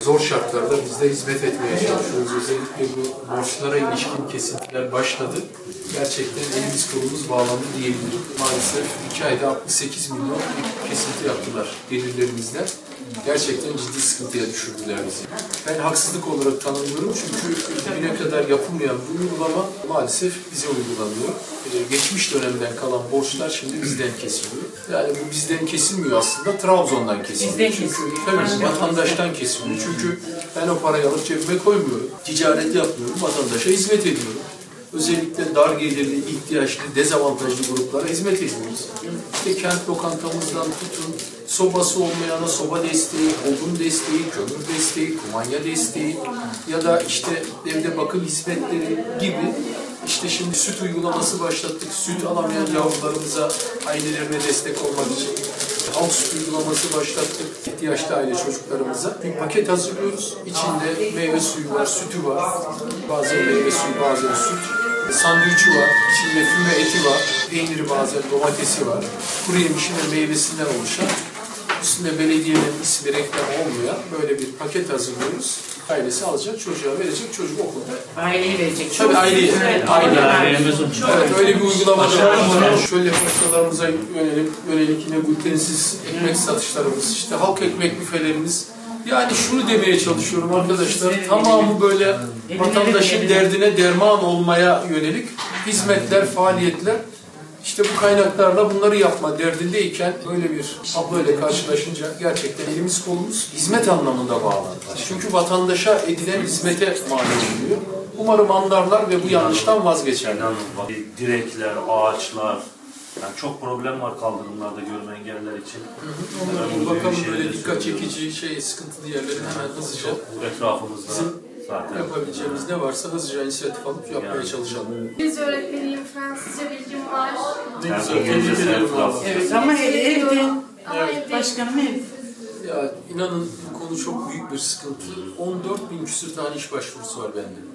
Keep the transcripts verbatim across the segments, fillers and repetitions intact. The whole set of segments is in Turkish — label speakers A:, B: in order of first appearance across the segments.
A: Zor şartlarda biz de hizmet etmeye çalışıyoruz. Özellikle bu borçlara ilişkin kesintiler başladı. Gerçekten elimiz kolumuz bağlandı diyebilirim. Maalesef iki ayda altmış sekiz milyon bir kesinti yaptılar gelirlerimizden. Gerçekten ciddi sıkıntıya düşürdüler bizi. Ben haksızlık olarak tanımlıyorum çünkü bugüne kadar yapılmayan bu uygulama maalesef bize uygulanıyor. Ee, geçmiş dönemden kalan borçlar şimdi bizden kesiliyor. Yani bu bizden kesilmiyor aslında, Trabzon'dan kesiliyor. Çünkü tabii vatandaştan kesiliyor. Çünkü ben o parayı alıp cebime koymuyorum. Ticaret yapmıyorum, vatandaşa hizmet ediyorum. Özellikle dar gelirli, ihtiyaçlı, dezavantajlı gruplara hizmet ediyoruz. İşte kent lokantamızdan tutun, sobası olmayana soba desteği, odun desteği, kömür desteği, kumanya desteği ya da işte evde bakım hizmetleri gibi. İşte şimdi süt uygulaması başlattık. Süt alamayan yavrularımıza, ailelerine destek olmak için halk süt uygulaması başlattık. İhtiyaçlı aile çocuklarımıza bir paket hazırlıyoruz. İçinde meyve suyu var, sütü var. Bazen meyve suyu, bazen süt. Sandviçi var, içinde füme eti var, peyniri bazen domatesi var. Kuru yemişi ve meyvesinden oluşan, üstünde belediyenin ismi reklam olmayan böyle bir paket hazırlıyoruz. Ailesi alacak, çocuğa verecek, çocuk okulda.
B: Aileyi verecek.
A: Tabii aileyi.
B: Evet,
A: Aile.
B: aile.
A: Evet, öyle bir uygulama var. Şöyle pastalarımıza yönelik, yönelik yine glutensiz ekmek satışlarımız, işte halk ekmek büfelerimiz. Yani şunu demeye çalışıyorum arkadaşlar, tamamı böyle vatandaşın derdine derman olmaya yönelik hizmetler, faaliyetler. İşte bu kaynaklarla bunları yapma derdindeyken böyle bir tabloyla karşılaşınca gerçekten elimiz kolumuz hizmet anlamında bağlandı. Çünkü vatandaşa edilen hizmete mal ediliyor. Umarım anlarlar ve bu yanlıştan vazgeçerler.
C: Direkler, ağaçlar, yani çok problem var kaldırımlarda görme engelliler için.
A: Onlara bir bakalım, böyle dikkat çekici, şey, sıkıntılı yerlerin hemen hızlıca
C: etrafımızda zaten
A: yapabileceğimiz ne varsa hızlıca inisiyatif alıp yapmaya
C: yani
A: çalışalım.
D: İngilizce öğretmeniyim, Fransızca bilgim var.
A: Ne güzel,
C: yani
A: tebrik ederim.
B: Evet ama evde,
D: Ama evde
B: başkanım ev.
A: Ya inanın bu konu çok büyük bir sıkıntı. on dört bin küsur tane iş başvurusu var bende.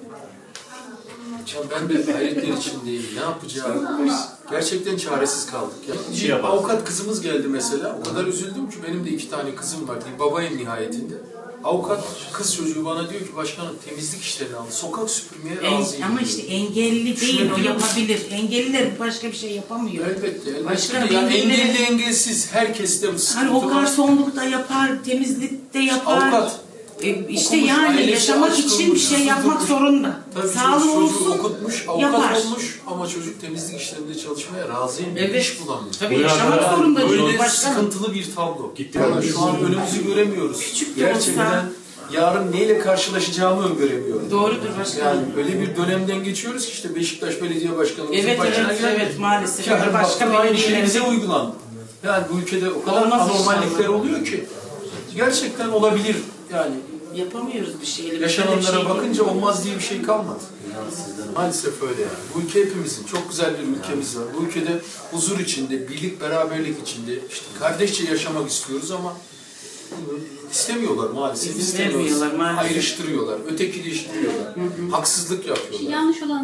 A: Ya ben de hayretler içindeyim. Ne yapacağım? Gerçekten çaresiz kaldık. Ya.
C: şey
A: Bir avukat kızımız geldi mesela. O kadar üzüldüm ki benim de iki tane kızım var. Bir babayım nihayetinde. Avukat kız çocuğu bana diyor ki başkanım temizlik işlerini aldı. Sokak süpürmeye
B: En,
A: razıyım.
B: ama
A: diyor.
B: işte engelli değil, o yapabilir. Engelliler başka bir şey yapamıyor.
A: Elbette. elbette.
B: Başka
A: Yani
B: engellileri-
A: engelli engelsiz herkeste bu sıkıntı
B: Hani o
A: var.
B: garsonlukta yapar, temizlikte yapar.
A: Avukat.
B: E, işte
A: Okumuş,
B: yani
A: ailesi
B: yaşamak
A: aç
B: için bir
A: kalmış,
B: şey yapmak
A: tutmuş.
B: zorunda.
A: Tabii
B: Sağlığı
A: çocuk, çocuğu
B: olsun,
A: okutmuş, avukat
B: yapar.
A: olmuş ama çocuk temizlik işlerinde çalışmaya razıyım.
B: Evet.
A: İş bulamıyor.
B: Tabii yaşamak zorunda
A: Böyle
B: diyor başkanım.
A: sıkıntılı bir tablo.
C: Gitti.
A: Yani şu an önümüzü göremiyoruz.
B: Küçük de
A: Gerçekten
B: olsa-
A: yarın neyle karşılaşacağımı öngöremiyorum.
B: Doğrudur başkanım.
A: Yani öyle bir dönemden geçiyoruz ki işte Beşiktaş Belediye Başkanımızın
B: Evet,
A: başına
B: evet,
A: geldi.
B: evet, maalesef.
A: Yarın
B: Başka
A: başka aynı şey
B: belediyeler-
A: bize uygulandı. Yani bu ülkede o kadar
B: Olmaz
A: anormallikler
B: inşallah.
A: oluyor ki gerçekten olabilir yani.
B: Yapamıyoruz bir şeyleri.
A: Yaşananlara
B: Böyle bir şey
A: bakınca olmaz diye bir şey kalmadı. Maalesef öyle yani. Bu ülke hepimizin. Çok güzel bir ülkemiz var. Bu ülkede huzur içinde, birlik, beraberlik içinde, işte kardeşçe yaşamak istiyoruz ama bunu istemiyorlar maalesef.
B: İzin
A: İstemiyorlar.
B: vermiyorlar maalesef.
A: Ayrıştırıyorlar, ötekileştiriyorlar, haksızlık yapıyorlar.
D: yanlış olan